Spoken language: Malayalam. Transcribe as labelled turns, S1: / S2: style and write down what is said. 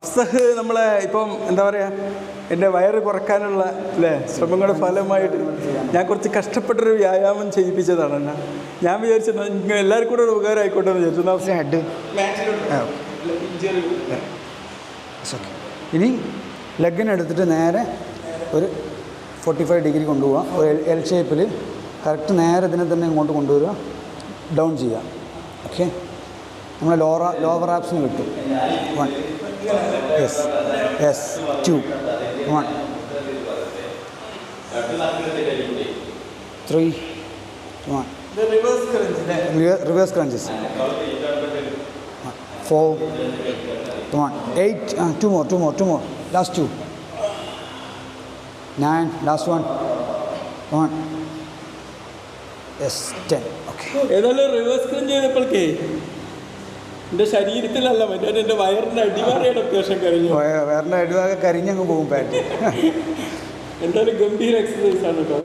S1: അഫ്സഹ് നമ്മളെ ഇപ്പം എന്താ പറയുക, എൻ്റെ വയറ് കുറക്കാനുള്ള അല്ലേ ശ്രമങ്ങളുടെ ഫലമായിട്ട് ഞാൻ കുറച്ച് കഷ്ടപ്പെട്ടൊരു വ്യായാമം ചെയ്യിപ്പിച്ചതാണ് എന്നെ. ഞാൻ വിചാരിച്ചത് നിങ്ങൾ എല്ലാവർക്കും കൂടെ ഒരു ഉപകാരം ആയിക്കോട്ടെ എന്ന് വിചാരിച്ചു.
S2: ഹെഡ് ഇനി ലെഗിനെടുത്തിട്ട് നേരെ ഒരു 45 ഡിഗ്രി കൊണ്ടുപോകാം. ഒരു എൽ ഷേപ്പിൽ കറക്റ്റ് നേരെ ഇതിനെ തന്നെ ഇങ്ങോട്ട് കൊണ്ടുവരിക, ഡൗൺ ചെയ്യുക. ഓക്കെ, നമ്മൾ ലോവർ ആപ്സിന് കിട്ടും. 1 yes 2 1 3 1 reverse crunches 4 1 8 2 more last 2 9 last 1 yes 10. Okay,
S1: ഏതായാലും റിവേഴ്സ് ക്രഞ്ച് ചെയ്തപ്പോഴേക്കേ എൻ്റെ ശരീരത്തിലല്ല മറ്റേ എൻ്റെ വയറിൻ്റെ അടിവാരയുടെ അത്യാവശ്യം കഴിഞ്ഞു.
S2: വയറിൻ്റെ അടിവാകെ കരിഞ്ഞങ്ങ് പോകും പാറ്റ്.
S1: എന്തായാലും ഗംഭീര എക്സസൈസ് ആണ് കേട്ടോ.